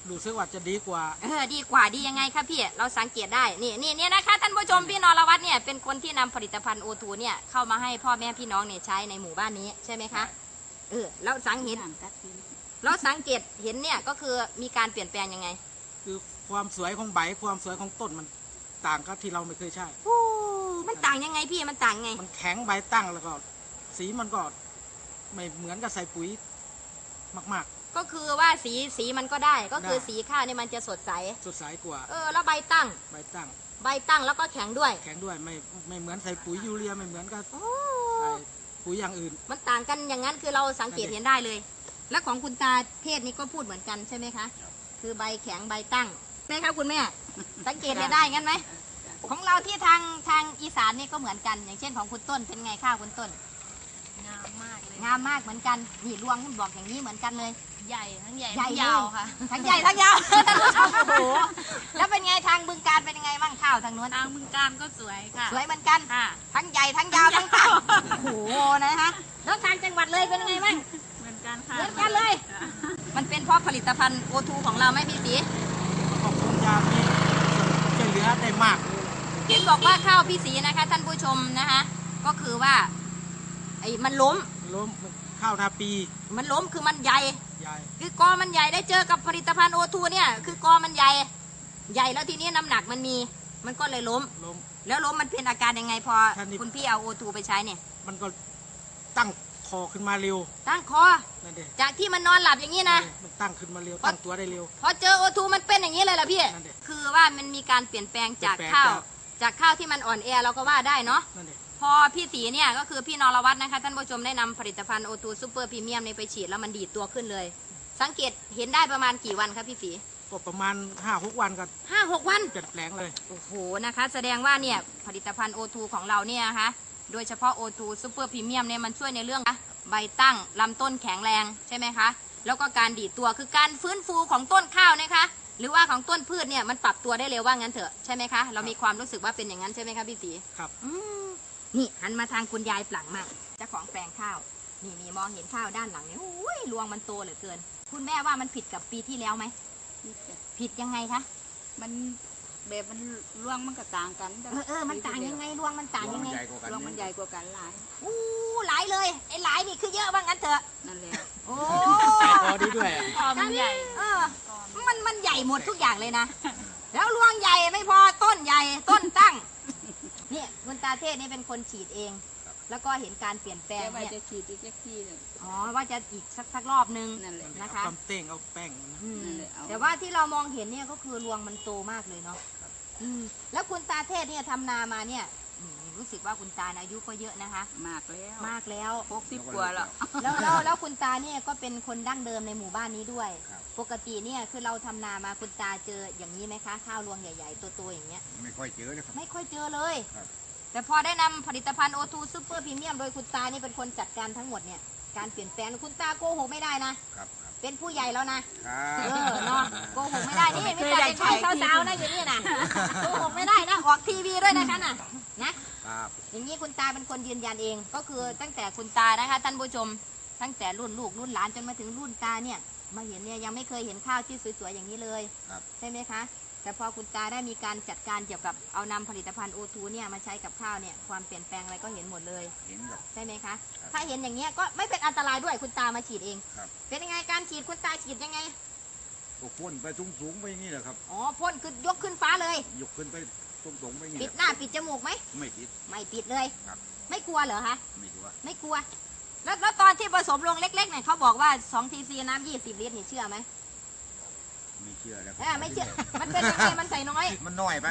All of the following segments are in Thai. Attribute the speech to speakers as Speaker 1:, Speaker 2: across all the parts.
Speaker 1: รู้สึกว่าจะดีกว่า
Speaker 2: ดีกว่าดียังไงคะพี่เราสังเกตได้นี่นะคะท่านผู้ชมพี่นรวัตรเนี่ยเป็นคนที่นำผลิตภัณฑ์โอทูเนี่ยเข้ามาให้พ่อแม่พี่น้องเนี่ยใช้ในหมู่บ้านนี้ใช่ไหมคะแล้วสังเกตเห็นเนี่ยก็คือมีการเปลี่ยนแปลงยังไง
Speaker 1: คือความสวยของใบความสวยของต้นมันต่างกับที่เราไม่เคยใช่
Speaker 2: มันต่างยังไงพี่มันต่างไง
Speaker 1: มันแข็งใบตั้งแล้วก็สีมันก็ไม่เหมือนกับใส่ปุ๋ยมาก
Speaker 2: ๆก็คือว่าสีมันก็ได้ก็คือสีข้าวเนี่ยมันจะสดใส
Speaker 1: กว่า
Speaker 2: แล้วใบตั้งแล้วก็แข็งด้วย
Speaker 1: ไม่เหมือนใส่ปุ๋ยยูเรียไม่เหมือนกับใส่ปุ๋ยอย่างอื่น
Speaker 2: มันต่างกันอย่างนั้นคือเราสังเกตเห็นได้เลยและของคุณตาเทศนี้ก็พูดเหมือนกันใช่ไหมคะคือใบแข็งใบตั้งไหมคะคุณแม่สังเกตได้งั้นไหมของเราที่ทางอีสานนี่ก็เหมือนกันอย่างเช่นของคุณต้นเป็นไงข้าวคุณต้น
Speaker 3: งามมากเลย
Speaker 2: งามมากเหมือนกันนี่รวงคุณบอกอย่างนี้เหมือนกันเลย
Speaker 3: ใหญ่ทั้งยาวค่ะ
Speaker 2: ทั้งใหญ่ทั้งยาวท่านผู้ชมโอ้โหแล้วเป็นไงทางบึงการเป็นยังไงบ้างข้าวทางโน้น
Speaker 3: ทางบึงการก็สวยค่ะ
Speaker 2: สวยเหมือนกันทั้งใหญ่ทั้งยาวทั้งตั้งโอ้โหนะคะแล้วทางจังหวัดเลยเป็นยังไงบ้าง
Speaker 3: เหมือนกันค่ะ
Speaker 2: เหมือนกันเลยมันเป็นเพราะผลิตภัณฑ์โอทูของเราไหมพี่สี
Speaker 1: ขอบคุณยาที่จะเหลือได้มาก
Speaker 2: ที่บอกว่าข้าวพี่สีนะคะท่านผู้ชมนะคะก็คือว่ามันล้ม
Speaker 1: ข้าวนาปี
Speaker 2: มันล้มคือมันใหญ่คือกอมันใหญ่ได้เจอกับผลิตภัณฑ์โอทูเนี่ยคือกอมันใหญ่แล้วทีนี้น้ำหนักมันก็เลยล้มแล้วล้มมันเป็นอาการยังไงพอคุณพี่เอาโอทูไปใช้เนี่ย
Speaker 1: มันก็ตั้งคอขึ้นมาเร็ว
Speaker 2: ตั้งคอจากที่มันนอนหลับอย่างนี้นะ
Speaker 1: มันตั้งขึ้นมาเร็วตั้งตัวได้เร็ว
Speaker 2: พอเจอโอทูมันเป็นอย่างนี้เลยล่ะพี่คือว่ามันมีการเปลี่ยนแปลงจากข้าวที่มันอ่อนแอเราก็ว่าได้เนาะพอพี่สีเนี่ยก็คือพี่นรวัตรนะคะท่านผู้ชมได้นำผลิตภัณฑ์โอทูซูเปอร์พรีเมียมในไปฉีดแล้วมันดีดตัวขึ้นเลยสังเกตเห็นได้ประมาณกี่วันครับพี่สี
Speaker 1: ก็ประมาณ 5-6 วันกัน
Speaker 2: 5-6 วัน
Speaker 1: เปลี่ยนแปลงเลย
Speaker 2: โอ้โหนะคะแสดงว่าเนี่ยผลิตภัณฑ์โอทูของเราเนี่ยนะคะโดยเฉพาะโอทูซูเปอร์พรีเมียมเนี่ยมันช่วยในเรื่องใบตั้งลำต้นแข็งแรงใช่ไหมคะแล้วก็การดีดตัวคือการฟื้นฟูของต้นข้าวนะคะหรือว่าของต้นพืชเนี่ยมันปรับตัวได้เร็วว่างั้นเถอะใช่ไหมคะเรามีความรู้สึกว่าเป็นอย่างนั้นใช่ไหมคะพี่สี
Speaker 1: ครับ
Speaker 2: นี่หันมาทางคุณยายปลังมากเจ้าของแปลงข้าวนี่มองเห็นข้าวด้านหลังเนี่ยโอ้ยรวงมันโตเหลือเกินคุณแม่ว่ามันผิดกับปีที่แล้วไหมผิดยังไงคะ
Speaker 3: มันแบบมันรวงมันก็ต่างกัน
Speaker 2: มันต่างยังไงรวงมันต่างยังไง
Speaker 3: รวงมันใหญ่กว่ากันหลาย
Speaker 2: หลายเลยไอ้หลายนี่คือเยอะว่างั้นเถอะ
Speaker 3: นั่นแหละ
Speaker 2: โอ้
Speaker 1: พอดีด้วย
Speaker 3: มันใหญ่
Speaker 2: มันใหญ่หมดทุกอย่างเลยนะแล้วรวงใหญ่ไม่พอต้นใหญ่ต้นตั้งเนี่ยคุณตาเทศนี่เป็นคนฉีดเองแล้วก็เห็นการเปลี่ยนแปลงเนี่ย
Speaker 3: จะฉีดอีกทีนึง
Speaker 2: ว่าจะอีกสักรอบนึงนะคะ
Speaker 1: เอาเต้งเอาแป้ง
Speaker 2: แต่ว่าที่เรามองเห็นเนี่ยก็คือรวงมันโตมากเลยเนาะแล้วคุณตาเทศเนี่ยทำนามาเนี่ยรู้สึกว่าคุณตาอายุก็เยอะนะคะ
Speaker 3: มากแล้ว60 กว่า
Speaker 2: แล้วคุณตาเนี่ยก็เป็นคนดั้งเดิมในหมู่บ้านนี้ด้วยปกติเนี่ยคือเราทำนามาคุณตาเจออย่างนี้ไหมคะข้าวรวงใหญ่ๆโตๆอย่างเงี้ย
Speaker 4: ไม่ค่อยเจอเลยครับ
Speaker 2: ไม่ค่อยเจอเลยแต่พอได้นำผลิตภัณฑ์โอทูซูเปอร์พรีเมียมโดยคุณตานี่เป็นคนจัดการทั้งหมดเนี่ยการเปลี่ยนแปลงคุณตาโกหกไม่ได้นะครับเป็นผู้ใหญ่แล้วนะเนาะโกหกไม่ได้นี่ไม่แต่เด็กสาวๆนะอย่างนี้นะโกหกไม่ได้นะออกทีวีด้วยนะคะนะอย่างนี้คุณตาเป็นคนยืนยันเองก็คือตั้งแต่คุณตานะคะท่านผู้ชมตั้งแต่รุ่นลูกรุ่นหลานจนมาถึงรุ่นตาเนี่ยมาเห็นเนี่ยยังไม่เคยเห็นข้าวที่สวยๆอย่างนี้เลยใช่ไหมคะแต่พอคุณตาได้มีการจัดการเกี่ยวกับเอานำผลิตภัณฑ์โอทูเนี่ยมาใช้กับข้าวเนี่ยความเปลี่ยนแปลงอะไรก็เห็นหมดเลยใช่ไหมคะถ้าเห็นอย่างเงี้ยก็ไม่เป็นอันตรายด้วยคุณตามาฉีดเองเป็นยังไงการฉีดคุณตาฉีดยังไง
Speaker 4: ก็พ่นไปสูงๆไปนี่แหละครับ
Speaker 2: พ่นคือยกขึ้นฟ้าเลย
Speaker 4: ยกขึ้นไปสูงๆไปนี่
Speaker 2: ปิดหน้าปิดจมูกไหม
Speaker 4: ไม่
Speaker 2: ปิดเลยไม่กลัวเหรอคะ
Speaker 4: ไม่กลั
Speaker 2: วแล้วตอนที่ผสมลงเล็กๆเนี่ยเขาบอกว่า2 ทีซีน้ำ20 ลิตรนี่เชื่อไหม
Speaker 4: ไม่เชื่อแล้ว
Speaker 2: ไม่เชื่อมันเป็นยังไงมันใส่น้อย
Speaker 4: มันน้อยไป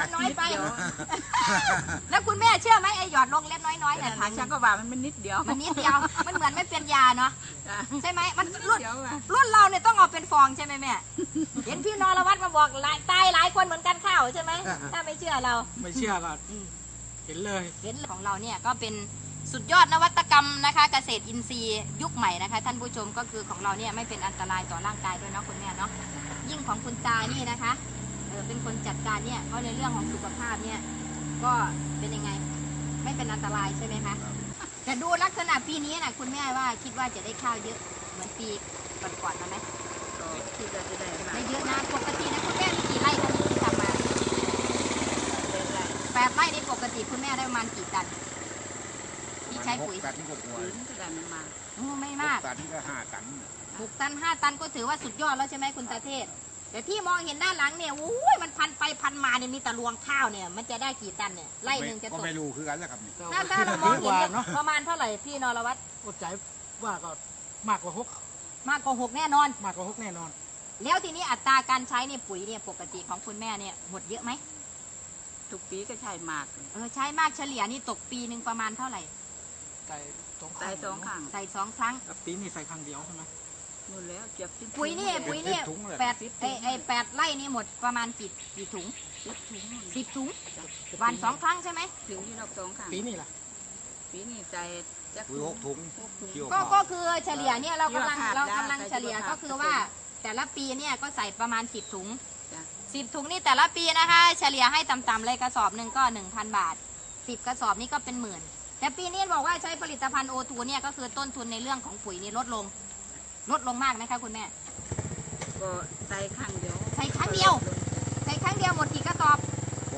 Speaker 2: แล้วคุณแม่เชื่อไหมไอหยอดลงเล็กน้อยๆเนี่ย
Speaker 3: ถังฉันก็ว่ามันนิดเดียว
Speaker 2: มันเหมือนไม่เป็นยาเนาะใช่ไหมมันรุ่นเราเนี่ยต้องเอาเป็นฟองใช่ไหมแม่เห็นพี่นรวัตรมาบอกตายหลายคนเหมือนกันข้าวใช่ไหมถ้าไม่เชื่อเรา
Speaker 1: ไม่เชื่อก็เห็นเลย
Speaker 2: ของเราเนี่ยก็เป็นสุดยอดนวัตกรรมนะคะเกษตรอินทรีย์ยุคใหม่นะคะท่านผู้ชมก็คือของเราเนี่ยไม่เป็นอันตรายต่อร่างกายด้วยเนาะคุณแม่เนาะยิ่งของคุณตานี่นะคะเป็นคนจัดการเนี่ยเพราะในเรื่องของสุขภาพเนี่ยก็เป็นยังไงไม่เป็นอันตรายใช่ไหมคะแต่ดูลักษณะปีนี้นะคุณแม่ว่าคิดว่าจะได้ข้าวเยอะเหมือนปีก่อนๆไหม
Speaker 3: คิดว่าจะได้
Speaker 2: ไม่เยอะนะปกติคุณแม่ได้ประมาณกี่ตันที่ใช้ปุ๋ย
Speaker 4: 6 ตันก็กลัว
Speaker 3: ปุ๋ยมันก็ได้ไม่มาก
Speaker 2: โอ้ไม่มาก
Speaker 4: 6 ตันก็5 ตัน
Speaker 2: 6 ตัน 5 ตันก็ถือว่าสุดยอดแล้วใช่ไหมคุณตาเทศ แต่ที่มองเห็นด้านหลังเนี่ยโอ้ยมันพันไปพันมาเนี่ยมีแต่รวงข้าวเนี่ยมันจะได้กี่ตันเนี่ยไร่หนึ่งจะ
Speaker 4: ก็
Speaker 2: ตก
Speaker 4: ไม่รู้คือกันแล้วครับนี่
Speaker 2: ถ้าเรามองเห็นเนี่ย
Speaker 1: เนาะ
Speaker 2: ประมาณเท่าไหร่พี่นรวัตร
Speaker 1: อดใจว่าก็มากกว่าหก
Speaker 2: มากกว่า6แน่นอน
Speaker 1: มากกว่าหกแน่นอน
Speaker 2: แล้วทีนี้อัตราการใช้เนี่ยปุ๋ยเนี่ยปกติของคุณแม่เนี่ยหมดเยอะไหม
Speaker 3: ทุกปีก็ใช่มาก
Speaker 2: ใช้มากเฉลี่ยนี่ตกปีหนึ่งประมาณเท่าไหร่
Speaker 1: ใส่สอง
Speaker 3: ใส่สองครั้ง
Speaker 2: ใส่2 ครั้ง
Speaker 1: ปีนี้ใส่ครั้งเดียวใช่ไหม
Speaker 3: หมดแล้วเก็บที่
Speaker 2: ปุ๋ยนี่8ไร่นี่หมดประมาณกี่ถุง
Speaker 3: 10 ถุง
Speaker 2: 10 ถุงวัน2 ครั้งใช่ไหม
Speaker 3: ถึงที่เรา2 ครั้ง
Speaker 1: ปีนี้ล่ะ
Speaker 3: ปีนี้ใส่จัก
Speaker 4: ปุ๋ย6 ถุง
Speaker 3: 6 ถุง
Speaker 4: เกี่ยว
Speaker 2: ก็คือเฉลี่ยเนี่ยเรากำลัง
Speaker 3: เยอะค่ะ
Speaker 2: เรากำลัง
Speaker 3: ได้
Speaker 2: เฉลี่ย
Speaker 3: ได้
Speaker 2: ก็คือว่าแต่ละปีเนี่ยก็ใส่ประมาณ10 ถุง
Speaker 3: จ้ะ
Speaker 2: 10 ถุงนี่แต่ละปีนะคะ เฉลี่ยให้ต่ำๆเลยกระสอบหนึ่งก็ 1,000 บาท 10 กระสอบนี่ก็เป็นหมื่นแต่ปีนี้บอกว่าใช้ผลิตภัณฑ์โอทูเนี่ยก็คือต้นทุนในเรื่องของปุ๋ยนี่ลดลงมากไหมคะคุณแม่
Speaker 3: ก็ใส่ครั้งเดียว
Speaker 2: ใส่ครั้งเดียว ใส่ครั้งเดียวหมดกี่กระสอบ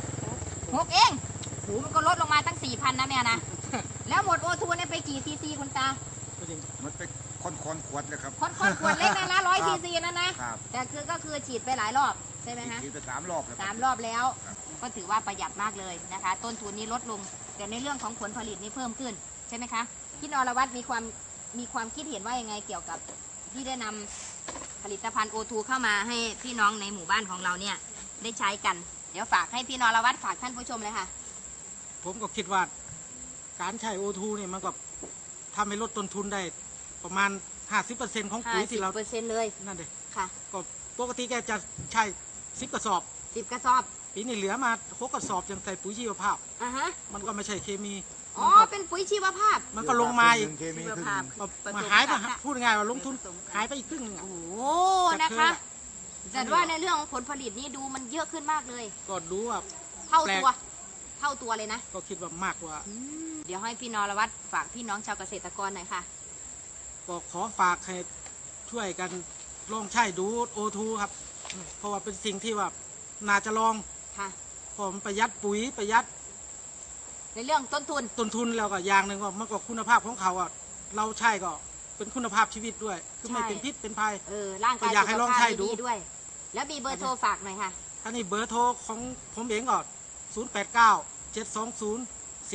Speaker 2: 6เองโหมันก็ลดลงมาตั้ง 4,000 นะแม่นะ แล้วหมดโอทูเนี่ยไปกี่ซีซีคุณตา
Speaker 1: ก็จริง
Speaker 4: มันเป็นค้อนๆขวดเลยครับ
Speaker 2: คนขวดเล็กนะ100ซีซีนั่นนะ
Speaker 4: ครับ
Speaker 2: แต่คือก็คือฉีดไปหลายรอบใช่ไหมคะ
Speaker 4: ฉีดไป3 รอบแล้วค
Speaker 2: สา
Speaker 4: รับ
Speaker 2: มรอบแล้ว
Speaker 4: ครับ
Speaker 2: ก็ถือว่าประหยัดมากเลยนะคะ ต้นทุนนี้ลดลง แต่ในเรื่องของผลผลิตนี่เพิ่มขึ้นใช่ไหมคะพี่นรวัตรมีความคิดเห็นว่ายังไงเกี่ยวกับที่ได้นำผลิตภัณฑ์โอทูเข้ามาให้พี่น้องในหมู่บ้านของเราเนี่ยได้ใช้กัน เดี๋ยวฝากให้พี่นรวัตรฝากท่านผู้ชมเลยค่ะ
Speaker 1: ผมก็คิดว่าการใช้โอทูเนี่ยมันก็ทำให้ลดต้นทุนได้ประมาณ 50%ของปุ๋ยที่เรา
Speaker 2: 50%เลย
Speaker 1: นั่นเลย
Speaker 2: ค่ะ
Speaker 1: ก็ปกติแกจะใช้10 กระสอบ
Speaker 2: 10 กระสอบ
Speaker 1: ปีนี้เหลือมา6 กระสอบยังใส่ปุ๋ยชีวภาพ
Speaker 2: อ่ะฮะ
Speaker 1: มันก็ไม่ใช่เคมี
Speaker 2: อ๋อเป็นปุ๋ยชีวภาพ
Speaker 1: มันก็ลงมาอีก
Speaker 4: เคมี
Speaker 3: ชีว
Speaker 4: ขึ้น
Speaker 3: ภาพ
Speaker 1: ก็มาหายไปพูดง่ายๆว่าลงทุนหายไปอีกครึ่งหนึงอะ
Speaker 2: โอ้โหนะคะแต่ว่าในเรื่องของผลผลิตนี่ดูมันเยอะขึ้นมากเลย
Speaker 1: ก็ดูว่า
Speaker 2: เท่า
Speaker 1: แปล
Speaker 2: ตั
Speaker 1: ก
Speaker 2: วเท่าตัวเลยนะ
Speaker 1: ก็คิดว่ามากกว่า
Speaker 2: เดี๋ยวให้พี่นรวัตรฝากพี่น้องชาวเกษตรกรหน่อยค่ะ
Speaker 1: ก็ขอฝากให้ช่วยกันลองใช้ดูโอทูครับเพราะว่าเป็นสิ่งที่ว่าน่าจะลอง
Speaker 2: ค่ะ
Speaker 1: เพราะมันประหยัดปุ๋ยประหยัด
Speaker 2: ในเรื่องต้นทุน
Speaker 1: ต้นทุนแล้วก็อย่างหนึ่งก็มันก็คุณภาพของเขาอ่ะเราใช้ก็เป็นคุณภาพชีวิตด้วย คือไม่
Speaker 2: ใช่
Speaker 1: เป็นพิษเป็นภัย
Speaker 2: ร่างกาย
Speaker 1: ก็อยากให้ลองใช้ดู
Speaker 2: ด้วย แล้วมีเบอร์โทรฝากหน่อยค่ะ
Speaker 1: อันนี้เบอร์โทรของผมเองก็089 720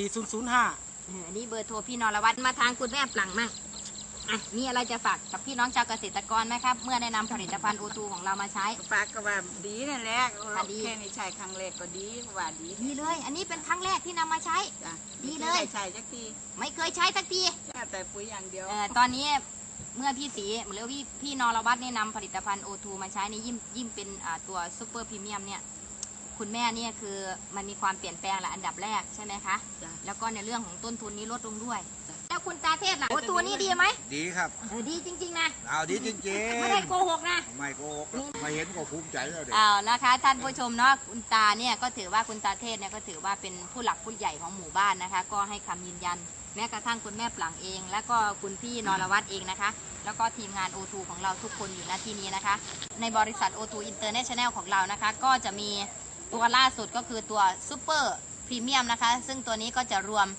Speaker 1: 4005
Speaker 2: อันนี้เบอร์โทรพี่นรวัตรมาทางคุณแม่ปลังมั่งอ่ะมีอะไรจะฝากกับพี่น้องชาวเกษตรกรไหมครับ เมื่อได้นำผลิตภัณฑ์โอทูของเรามาใช้
Speaker 3: ปากก็ว่าดีนั่นแหละ
Speaker 2: ค่ะดี
Speaker 3: แค่นี้ใช้ครั้งแรกก็ดีว่าดี
Speaker 2: ดีเลย อันนี้เป็นครั้งแรกที่นำมาใช้
Speaker 3: จ้ะ
Speaker 2: ดีเลย
Speaker 3: ไม่คใช้จักที
Speaker 2: ไม่เคยใช้สักที
Speaker 3: แต่ปุ๋ยอย่างเดียว
Speaker 2: ตอนนี้เมื่อพี่สีหรือพี่นรวัตรเนี่ยนำผลิตภัณฑ์โอทูมาใช้นี่ยิ่งเป็นตัวซูเปอร์พรีเมียมเนี่ยคุณแม่เนี่ยคือมันมีความเปลี่ยนแปลงแหละอันดับแรกใช่ไหมคะ
Speaker 3: จ้ะ
Speaker 2: แล้วก็ในเรื่องของต้นทุนนี้ลดลงด้วย
Speaker 3: จ้ะ
Speaker 2: แล้วคุณตาเทศล่ะโอทูนี่ดีไหม
Speaker 4: ดีครับ
Speaker 2: ดีจริงๆนะ
Speaker 4: เอาดีจริง
Speaker 2: ไม่ได้โกหกนะ
Speaker 4: ๆไม่โกหกไม่เห็นก็ภูมิใจแล้วเด็ก
Speaker 2: เอานะคะท่านผู้ชมเนาะคุณตาเนี่ยก็ถือว่าคุณตาเทศเนี่ยก็ถือว่าเป็นผู้หลักผู้ใหญ่ของหมู่บ้านนะคะ ก็ให้คำยืนยัน แม้กระทั่งคุณแม่ปลังเอง แล้วก็คุณพี่นรวัตรเองนะคะ แล้วก็ทีมงาน O2 ของเราทุกคนอยู่ณที่นี้นะคะ ในบริษัท O2 International ของเรานะคะ ก็จะมีตัวล่าสุดก็คือตัวซูเปอร์พรีเมียมนะคะ ซึ่งตัวนี้ก็จะรวม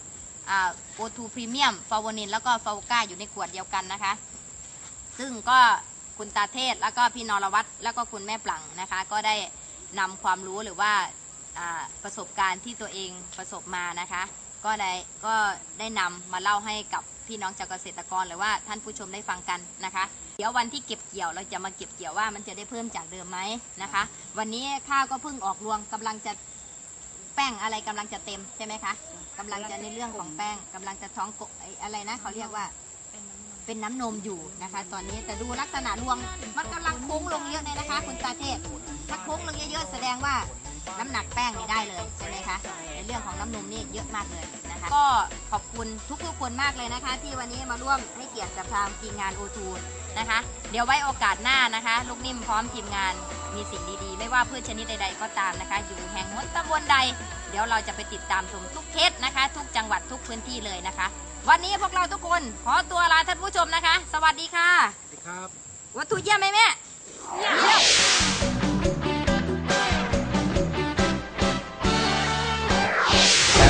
Speaker 2: O2 พรีเมียมฟาวนินแล้วก็ฟาวก้าอยู่ในขวดเดียวกันนะคะ ซึ่งก็คุณตาเทศแล้วก็พี่นรวัตรแล้วก็คุณแม่ปลังนะคะ ก็ได้นำความรู้หรือว่าประสบการณ์ที่ตัวเองประสบมานะคะ ก็ได้นำมาเล่าให้กับพี่น้องชาวเกษตรกรหรือว่าท่านผู้ชมได้ฟังกันนะคะ เดี๋ยววันที่เก็บเกี่ยวเราจะมาเก็บเกี่ยวว่ามันจะได้เพิ่มจากเดิมไหมนะคะ วันนี้ข้าวก็เพิ่งออกรวงกำลังจะแป้งอะไรกำลังจะเต็มใช่ไหมคะกำลังจะในเรื่องของแป้งกำลังจะท้องอะไรนะเขาเรียกว่าเป็นน้ำนมอยู่นะคะ ตอนนี้แต่ดูลักษณะรวงมันกำลังโค้งลงเยอะเลยนะคะ คุณตาเทพถ้าโค้งลงเยอะๆแสดงว่าน้ำหนักแป้งนี่ได้เลยใช่ไหมคะในเรื่องของน้ำนมนี่เยอะมากเลยนะคะก็ขอบคุณทุกคนมากเลยนะคะ ที่วันนี้มาร่วมให้เกียรติกับทางทีมงานโอทูนะคะ เดี๋ยวไว้โอกาสหน้านะคะ ลูกนิ่มพร้อมทีมงานมีสิ่งดีๆไม่ว่าพืชชนิดใดๆก็ตามนะคะ อยู่แห่งหนตำบลใด เดี๋ยวเราจะไปติดตามชมทุกเคสนะคะ ทุกจังหวัดทุกพื้นที่เลยนะคะ วันนี้พวกเราทุกคนขอตัวลาท่านผู้ชมนะคะ สวัสดีค่ะ
Speaker 1: สวัสดีครับ
Speaker 2: วัตถุเยี่ยมไหมแม่เยี่ยม
Speaker 5: ท่านผู้ช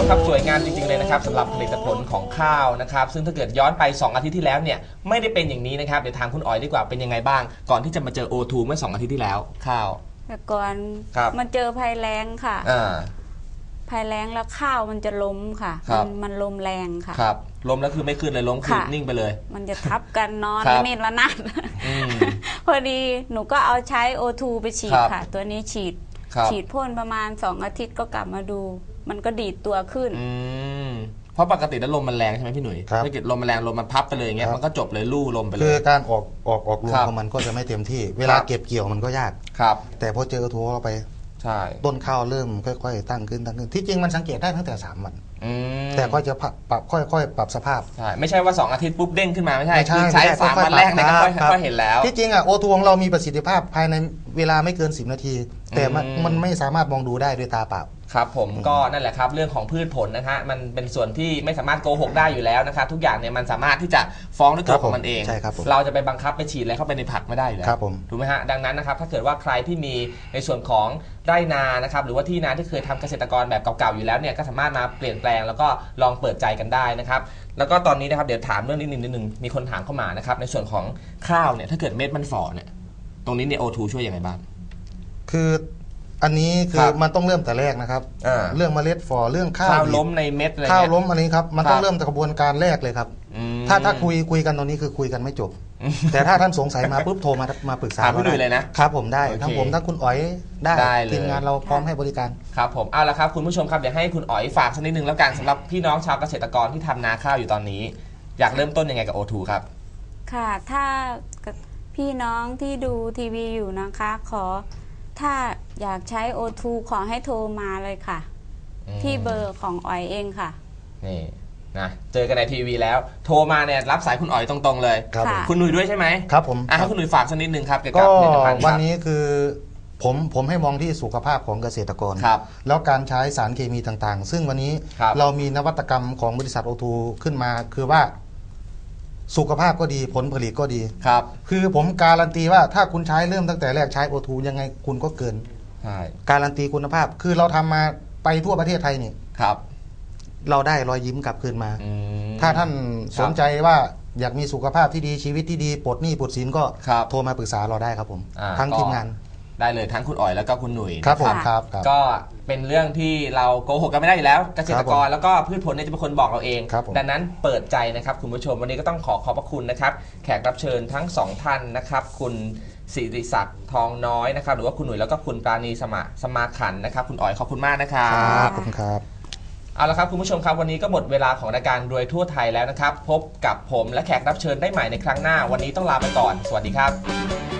Speaker 5: ครับสวยงามจริงๆเลยนะครับสำหรับผลิตผลของข้าวนะครับซึ่งถ้าเกิดย้อนไป2อาทิตย์ที่แล้วเนี่ยไม่ได้เป็นอย่างนี้นะครับเดี๋ยวถามคุณอ๋อยดีกว่าเป็นยังไงบ้างก่อนที่จะมาเจอ O2 เมื่อ2อาทิตย์ที่แล้วข้าว
Speaker 3: แต่ก่อน
Speaker 5: ครับ
Speaker 3: มันเจอภัยแล้งค่ะ
Speaker 5: า
Speaker 3: ภัยแล้งแล้วข้าวมันจะล้มค่ะ
Speaker 5: ครับ
Speaker 3: มันลมแรงค่ะ
Speaker 5: ครับล้มแล้วคือไม่ขึ้นเลยล้มคือ
Speaker 3: ค่ะ
Speaker 5: นิ่งไปเลย
Speaker 3: มันจะทับกันนอน
Speaker 5: ครับ
Speaker 3: เน้นละนาด
Speaker 5: อืม
Speaker 3: พอดีหนูก็เอาใช้ O2 ไปฉีด
Speaker 5: ครับ
Speaker 3: ค่ะ ตัวนี้ฉีด
Speaker 5: ครับ
Speaker 3: ฉีดพ่นประมาณ2อาทิตย์ก็กลับมาดู มันก็ดีดตัวขึ้น
Speaker 5: อืมเพราะปกติแล้วลมมันแรงใช่ไหมพี่หนุ่ย
Speaker 6: ครับ
Speaker 5: ถ้าเกิดลมมันแรงลมมันพับไปเลยอย่างเงี้ย
Speaker 6: ครับ
Speaker 5: มันก็จบเลยลู่ลมไปเล
Speaker 6: คือย การออกรว
Speaker 5: ค
Speaker 6: ง
Speaker 5: รับ
Speaker 6: ของมันก็จะไม่เต็มที่ เวลาเก็บเกี่ยวมันก็ยาก
Speaker 5: ครับ
Speaker 6: แต่พอเจอทัวร์เราไป
Speaker 5: ใช่
Speaker 6: ต้นข้าวเริ่มค่อยๆตั้งขึ้นที่จริงมันสังเกตได้ตั้งแต่3 วัน
Speaker 5: อืม
Speaker 6: แต่ก็จะปรับค่อยๆ ปรับสภาพ
Speaker 5: ใช่ไม่ใช่ว่า2อาทิตย์ปุ๊บเด้งขึ้นมาไม่ใช่
Speaker 6: ไม่ใช่
Speaker 5: คือใช้
Speaker 6: ไม่ใช่
Speaker 5: 3วันแรกเนี่ยก็
Speaker 6: ครับ
Speaker 5: ค่อยเห็นแล้ว
Speaker 6: ที่จริงอ่ะโอทูของเรามีประสิทธิภาพภายในเวลาไม่เกิน10 นาที แต่มันไม่สามารถมองดูได้ด้วยตาเปล่า
Speaker 5: ครับผมก็นั่นแหละครับเรื่องของพืชผลนะฮะมันเป็นส่วนที่ไม่สามารถโกหกได้อยู่แล้วนะครับทุกอย่างเนี่ยมันสามารถที่จะฟ้องด้วยตัวของมันเอง
Speaker 6: ใช่ครับผม
Speaker 5: เราจะไปบังคับไปฉีดอะไรเข้าไปในผักไม่ได้อยู่แล้ว
Speaker 6: ครับผม
Speaker 5: ถูกไหมฮะดังนั้นนะครับถ้าเกิดว่าใครที่มีในส่วนของไร่นานะครับหรือว่าที่นาที่เคยทำเกษตรกรแบบเก่าๆอยู่แล้วเนี่ยก็สามารถมาเปลี่ยนแปลงแล้วก็ลองเปิดใจกันได้นะครับแล้วก็ตอนนี้นะครับเดี๋ยวถามเรื่องนิดนึงมีคนถามเข้ามานะครับในส่วนของข้าวเนี่ยถ้าเกิดเม็ดมันฝ่อเนี่ยตรงนี้เนี่ย O2 ช่วยยังไงบ้าง
Speaker 6: คืออันนี้คื
Speaker 5: ครั
Speaker 6: อบ มันต้องเริ่มแต่แรกนะครับ เรื่องเมล็ดฝ่อเรื่องข้าว
Speaker 5: ข้าว
Speaker 6: ดีด
Speaker 5: ล้มในเม็ดอะไร
Speaker 6: ข้าว
Speaker 5: เงี้ย
Speaker 6: ล้มอันนี้ครับมัน
Speaker 5: ครับ
Speaker 6: ต้องเริ่มแต่กระบวนการแรกเลยครับ
Speaker 5: อืม
Speaker 6: ถ้าคุยกันตรงนี้คือคุยกันไม่จบ แต่ถ้าท่านสงสัยมาปุ๊บโทรมาปรึกษา
Speaker 5: ถามพี่หนุ่ยเลยนะ
Speaker 6: ครับผมได้
Speaker 5: โอเค
Speaker 6: ทั้งผมทั้งคุณอ๋อยได้
Speaker 5: ได้เลย
Speaker 6: ทีมงานเราพร้อมให้บริการ
Speaker 5: ครับผมเอาละครับคุณผู้ชมครับเดี๋ยวให้คุณอ๋อยฝากสักนิดนึงแล้วกันสำหรับพี่น้องชาวเกษตรกรที่ทำนาข้าวอยู่ตอนนี้ อยากเริ่มต้นยังไงกับ O2 ครับ
Speaker 3: ค่ะถ้าพี่น้องที่ดูทีวีอยู่นะคะถ้าอยากใช้ O2 ขอให้โทรมาเลยค่ะ ที่เบอร์ของอ๋อยเองค่ะ
Speaker 5: นี่นะเจอกันในทีวีแล้วโทรมาเนี่ยรับสายคุณอ๋อยตรงๆเลย
Speaker 6: ครับผม
Speaker 5: คุณหนุ่ยด้วยใช่ไหม
Speaker 6: ครับผม
Speaker 5: ให้คุณหนุ่ยฝากสักนิดนึงครับเกี่ยว
Speaker 6: ก็
Speaker 5: กับผลิตภัณฑ์
Speaker 6: วันนี้คือผมให้มองที่สุขภาพของเกษตรกร
Speaker 5: ครับ
Speaker 6: แล้วการใช้สารเคมีต่างๆ ซึ่งวันนี้
Speaker 5: ครับ
Speaker 6: เรามีนวัตกรรมของบริษัทโอทูขึ้นมาคือว่าสุขภาพก็ดีผลผลิตก็ดี
Speaker 5: ครับ
Speaker 6: คือผมการันตีว่าถ้าคุณใช้เริ่มตั้งแต่แรกใช้โอทูยังไงคุณก็เกิน
Speaker 5: ใช่
Speaker 6: การันตีคุณภาพ คือเราทำมาไปทั่วประเทศไทยนี่
Speaker 5: ครับ
Speaker 6: เราได้รอยยิ้มกลับคืนมา
Speaker 5: อืม
Speaker 6: ถ้าท่านสนใจว่าอยากมีสุขภาพที่ดีชีวิตที่ดีปลดหนี้ปลดสินก็
Speaker 5: ครับ
Speaker 6: โทรมาปรึกษาเราได้ครับผม
Speaker 5: อ่า
Speaker 6: ทั้ง
Speaker 5: ก็
Speaker 6: ทีมงาน
Speaker 5: ได้เลยทั้งคุณอ๋อยแล้วก็คุณหนุ่ย
Speaker 6: ครับผม
Speaker 5: นะ
Speaker 6: ครับครับ
Speaker 5: ก็เป็นเรื่องที่เราโกหกกันไม่ได้อยู่แล้วเกษตรกร
Speaker 6: ครับผม
Speaker 5: แล้วก็พืชผลเนี่ยจะเป็นคนบอกเราเอง
Speaker 6: ครับผม
Speaker 5: ดังนั้นเปิดใจนะครับคุณผู้ชมวันนี้ก็ต้องขอบพระคุณนะครับแขกรับเชิญทั้งสองท่านนะครับคุณสิริศักดิ์ทองน้อยนะครับหรือว่าคุณหนุ่ยแล้วก็คุณปราณีสมาขันธ์นะครับคุณอ๋อยขอบคุณมากนะครั
Speaker 6: ครับ บขอบคุณครับ
Speaker 5: เอาละครับคุณผู้ชมครับวันนี้ก็หมดเวลาของรายการรวยทั่วไทยแล้วนะครับพบกับผมและแขกรับเชิญได้ใหม่ในครั้งหน้า วันนี้ต้องลาไปก่อนสวัสดีครับ